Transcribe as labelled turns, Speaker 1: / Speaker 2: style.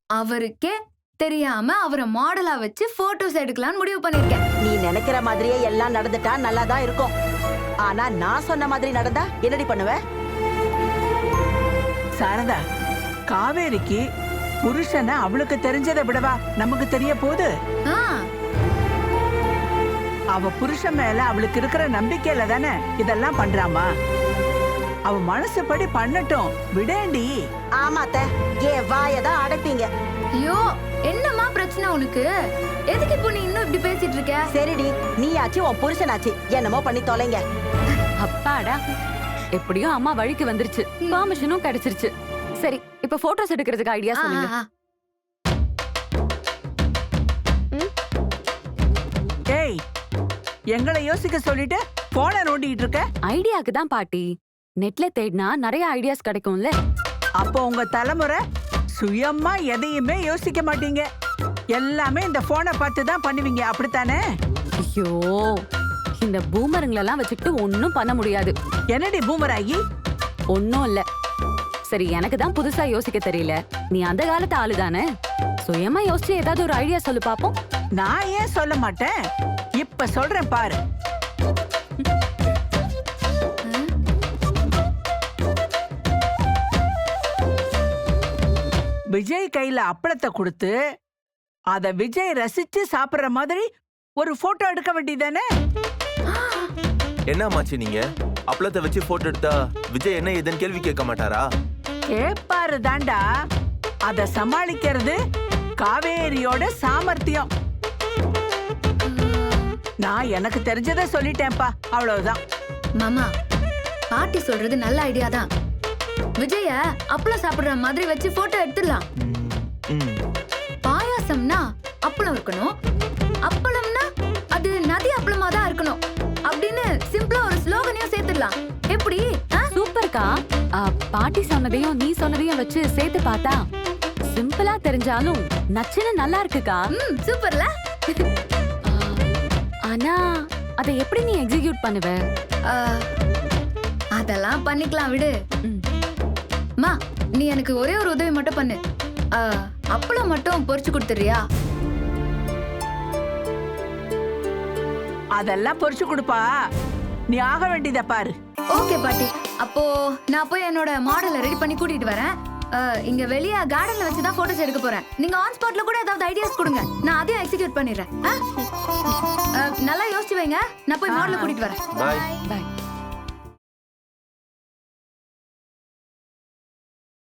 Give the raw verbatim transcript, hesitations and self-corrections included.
Speaker 1: அவருக்கே தெரியாம அவரை மாடலா வச்சு போட்டோஸ் எடுக்கலாம்னு முடிவு பண்ணிருக்கேன்.
Speaker 2: நீ நினைக்கிற மாதிரியே எல்லாம் நடந்துட்டா நல்லாதான் இருக்கும். ஆனா நான் சொன்ன மாதிரி நடந்தா என்னடி பண்ணுவ?
Speaker 3: சாரதா, காவேரிக்கு புருஷனை அவளுக்கு தெரிஞ்சதை விடவா நமக்கு தெரிய போகுது. அவ புருஷன் மேல அவளுக்கு இருக்கிற நம்பிக்கையில தானே இதெல்லாம் பண்றாமா. அவ மனசுப்படி பண்ணட்டும், விடேண்டி.
Speaker 2: ஆமாத்த, ஏன் வாயதான் அடைப்பீங்க.
Speaker 1: ஐயோ, என்னம்மா பிரச்சனை உனக்கு? எதுக்கு இப்போ நீ இன்னும் இப்படி பேசிட்டு இருக்க?
Speaker 2: சரிடி, நீ ஆச்சு உன் புருஷனாச்சு, என்னமோ பண்ணி தொலைங்க.
Speaker 4: அப்பாடா, எப்படியும் அம்மா வழிக்கு வந்துருச்சு, பெர்மிஷனும் கிடைச்சிருச்சு. சரி, இப்ப போட்டோஸ் எடுக்கிறதுக்கு ஐடியா சொல்லுங்க.
Speaker 3: ஏய், எங்களை யோசிக்க சொல்லிட்டு போன நோண்டிட்டு இருக்க?
Speaker 4: ஐடியாக்கு தான் பாட்டி. நெட்ல தேடினா நிறைய ஐடியாஸ் கிடைக்கும்ல.
Speaker 3: அப்போ உங்க தலைமுறை சுயமா எதையுமே யோசிக்க மாட்டீங்க, எல்லாமே இந்த போனை பார்த்து தான் பண்ணுவீங்க, அப்படித்தானே?
Speaker 4: ஐயோ, இந்த பூமருங்களெல்லாம் வச்சுக்கிட்டு ஒன்னும் பண்ண முடியாது.
Speaker 3: என்னடி பூமராகி?
Speaker 4: ஒன்னும் இல்ல. சரி, எனக்கு தான் புதுசா யோசிக்க தெரியல. நீ அந்த காலத்து ஆளு தானே, சுயமா யோசிச்சு ஏதாவது ஒரு ஐடியா சொல்லு பாப்போம்.
Speaker 3: நான் ஏன் சொல்ல மாட்டேன், இப்ப சொல்றேன் பாரு. விஜய் கையில அப்பளத்தை கொடுத்து அத விஜய் ரசிச்சு சாப்பிடுற மாதிரி ஒரு போட்டோ எடுக்க வேண்டியதானே?
Speaker 5: என்ன மாச்சு நீங்க அப்பளத்தை வச்சு போட்டோ எடுத்தா விஜய் என்ன ஏதுன்னு கேள்வி கேட்க மாட்டாரா?
Speaker 3: கேப்பாரு தாண்டா, அத சமாளிக்கிறது காவேரியோட சாமர்த்தியம். நான் எனக்கு தெரிஞ்சதை சொல்லிட்டேன்ப்பா, அவ்வளவுதான்.
Speaker 1: மாமா, பாட்டி சொல்றது நல்ல ஐடியா தான். விஜய அப்பளம் சாப்பிடுற மாதிரி வச்சு போட்டோ எடுத்துடலாம். பாயாசம்னா அப்பளம் இருக்கணும், அப்பளம்னா அது நதி அப்பளமா தான் இருக்கணும் அப்படின்னு சிம்பிளா ஒரு ஸ்லோகனையும் சேர்த்துடலாம். எப்படி?
Speaker 4: சூப்பர்க்கா. பாட்டி சொன்னதையும் நீ சொன்னதையும் வச்சு சேர்த்து பார்த்தா சிம்பிளா தெரிஞ்சாலும் நச்சுன்னு நல்லா இருக்குக்கா.
Speaker 1: ம், சூப்பர்ல.
Speaker 4: ஆனா அதை எப்படி நீ எக்ஸிக்யூட் பண்ணுவ?
Speaker 1: அதெல்லாம் பண்ணிக்கலாம், விடு. மா, நீ எனக்கு ஒரே ஒரு உதவி மட்டும் பண்ணு. அப்பளம் மட்டும் பொரிச்சு கொடுத்துறியா?
Speaker 3: அதெல்லாம் பொரிச்சு கொடுப்பா, நீ ஆக வேண்டியத பாரு.
Speaker 1: ஓகே பாட்டி, அப்போ நான் போய் என்னோட மாடலை ரெடி பண்ணி கூட்டிட்டு வரேன். இங்க வெளிய கார்டன்ல வச்சு தான் போட்டோஸ் எடுக்க போறேன். நீங்க ஆன் ஸ்பாட்ல கூட ஏதாவது ஐடியாஸ் கொடுங்க, நான் அதையும் எக்ஸிக்யூட் பண்ணிடுறேன். நல்லா யோசிச்சு வைங்க, நான் போய் மாடலை கூட்டிட்டு வரேன்.
Speaker 5: Bye
Speaker 4: by.